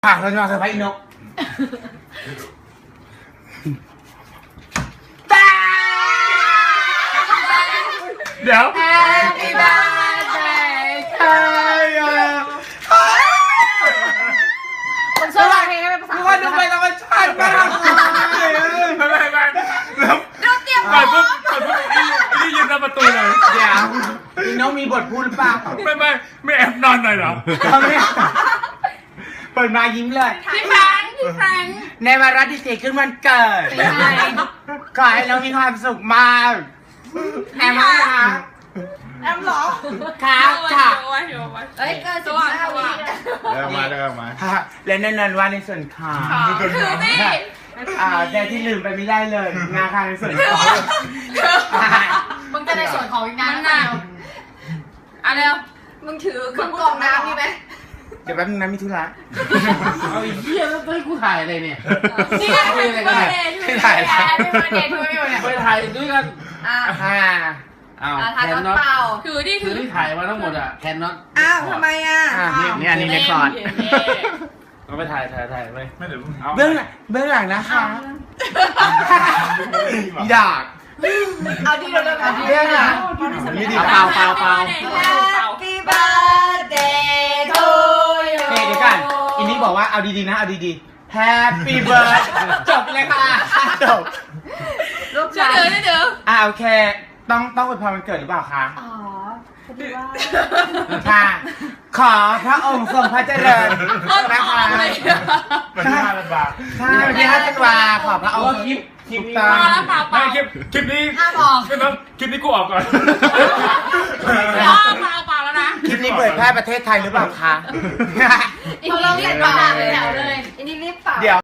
ค่ะเราจะมาเซอร์ไพรส์อีนกเดี๋ยว Happy birthday to you ผมชอบเพลงให้เป็นภาษาทุกคนดูไปธรรมชาติมากไม่แล้วเราเตรียมก่อนปุ๊บนี่ยืนหน้าประตูเลยเดี๋ยวอีนกมีบทพูดหรือเปล่าไม่แอบนอนหน่อยเหรอเปิดมายิ้มเลยพี่แฟงในวาระที่4ขึ้นวันเกิดขอให้น้องมีความสุขมากแอมค่ะแอมหรอครับค่ะเอ้ยเกิน15 วิเริ่มมาและแน่นอนว่าในส่วนของถือสิแต่ที่ลืมไปไม่ได้เลยงานค่ะในส่วนของมึงจะในส่วนของอีกนานนานอ่ะเร็วมึงถือเครื่องกรองน้ำนี่ไหมเดี๋ยวแป๊บนึงนะมีธุระเอาอีกเหี้ยแล้วให้กูถ่ายอะไรเนี่ยนี่ไงไม่ถ่ายไม่ถ่ายเนี่ยไปถ่ายด้วยกันค่ะอ้าวถ่ายแคตอนนน็อตเปล่าคือที่ถ่ายมาทั้งหมดอะแคนน็อตอ้าวทำไมอ่ะนี่อันนี้ในคอร์ดเอาไปถ่ายไปไม่เดี๋ยวเอาเบื้องหลังนะคะอยากเอาดีเร็วๆเอาดีเร็วๆเปล่า Happy birthday to you เดี๋ยวกันอินนี่บอกว่าเอาดีๆนะเอาดีๆ Happy birthday จบเลยค่ะจบลูกชายเดี๋ยวโอเคต้องอวยพรวันเกิดหรือเปล่าคะอ๋อพอดีว่าค่ะ ขอพระองค์ทรงพระเจริญนะคะวันที่5 บาทใช่วันที่5 ธันวาขอพระองค์คลิปถูกนี้ต้องไม่คลิปนี้ห้ามออกไม่ต้องคลิปนี้กูออกก่อนเปล่าแล้วนะคลิปนี้เผยแพร่ประเทศไทยหรือเปล่าคะเราเรียกเปล่าเลยแถวเลยอันนี้รีบเปล่าเดี๋ยว